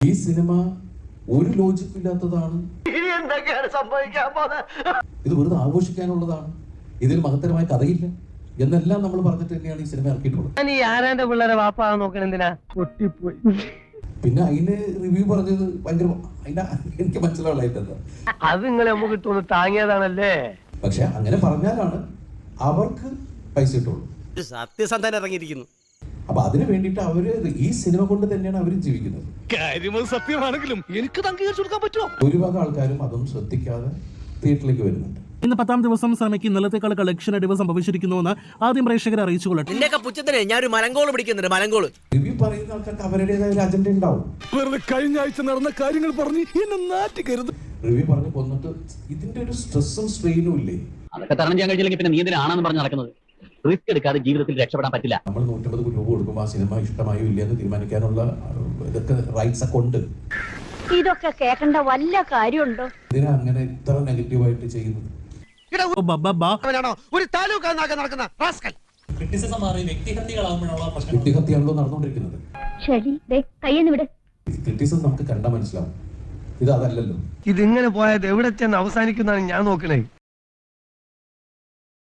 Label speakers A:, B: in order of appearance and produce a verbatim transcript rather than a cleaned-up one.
A: ഈ സിനിമ ഒരു ലോജിക് ഇല്ലാത്തതാണ്. ഇത് വെറുതെ ആഘോഷിക്കാനുള്ളതാണ്. ഇതിൽ മഹത്തരമായ കഥയില്ല എന്നെല്ലാം നമ്മൾ പറഞ്ഞിട്ട് തന്നെയാണ് ഈ സിനിമ ഇറക്കിയിട്ടുള്ളത്. പിന്നെ അതിന് റിവ്യൂ പറഞ്ഞത് ഭയങ്കര എനിക്ക് മനസ്സിലായിട്ടത്
B: അത് നിങ്ങളെ നമുക്ക് താങ്ങിയതാണല്ലേ.
A: പക്ഷെ അങ്ങനെ പറഞ്ഞാലാണ് അവർക്ക് പൈസ കിട്ടുള്ളൂ.
C: സത്യസന്ധൻ ഇറങ്ങിയിരിക്കുന്നു.
A: അപ്പൊ അതിനു വേണ്ടിയിട്ട് അവര് ഈ സിനിമ കൊണ്ട് തന്നെയാണ് അവര് ജീവിക്കുന്നത്.
C: സത്യമാണെങ്കിലും എനിക്ക് അംഗീകരിച്ചു കൊടുക്കാൻ പറ്റുമോ?
A: ഭൂരിഭാഗം ആൾക്കാരും അതൊന്നും ശ്രദ്ധിക്കാതെ തിയേറ്ററിലേക്ക് വരുന്നുണ്ട്.
D: ഇന്ന് പത്താം ദിവസം സിനിമയ്ക്ക് ഇന്നലത്തെക്കാൾ കളക്ഷൻ അടിവ് സംഭവിച്ചിരിക്കുന്നുവെന്ന് ആദ്യം പ്രേക്ഷകരെ അറിയിച്ചു കൊള്ളട്ടെ.
C: ഞാനൊരു മലങ്കോള് പിടിക്കുന്നുണ്ട്. മലങ്കോള്
A: റിവ്യൂ പറയുന്ന ആൾക്കാർക്ക് അവരുടേതായ ഒരു അജണ്ട ഉണ്ടാവും.
E: കഴിഞ്ഞ ആഴ്ച നടന്ന കാര്യങ്ങൾ പറഞ്ഞ് എന്നെ നാറ്റിക്കരുത്.
A: റിവ്യൂ പറഞ്ഞ് കൊന്നിട്ട് ഇതിന്റെ ഒരു സ്ട്രെസ്സും സ്ട്രെയിനും ഇല്ലേ?
F: അതൊക്കെ തരണം ചെയ്യാൻ കഴിഞ്ഞില്ലെങ്കിൽ പിന്നെ നീ എന്തിനാണെന്ന് പറഞ്ഞ് നടക്കുന്നത്? റിസ്ക് എടുക്കാതെ ജീവിതത്തിൽ രക്ഷപ്പെടാൻ പറ്റില്ല.
A: നമ്മൾ നൂറ്റമ്പത് രൂപ കൊടുക്കുമ്പോൾ ആ സിനിമ ഇഷ്ടമായോ ഇല്ല എന്ന് തീരുമാനിക്കാനുള്ള ഇതൊക്കെ റൈറ്റ്സ് ഒക്കെ ഉണ്ട്.
G: ഇതൊക്കെ കേൾക്കേണ്ട വല്ല കാര്യമുണ്ടോ?
A: ഇതിനെ അങ്ങനെ ഇത്ര നെഗറ്റീവായിട്ട് ചെയ്യുന്നത് വ്യക്തിഹത്യാണല്ലോ നടന്നുകൊണ്ടിരിക്കുന്നത്. ക്രിറ്റിസിസം നമുക്ക് കണ്ടാൽ മനസ്സിലാവും. ഇത് അതല്ലല്ലോ.
B: ഇതിങ്ങനെ പോയത് എവിടെ ചെന്ന് അവസാനിക്കുന്നതാണ് ഞാൻ നോക്കണേ.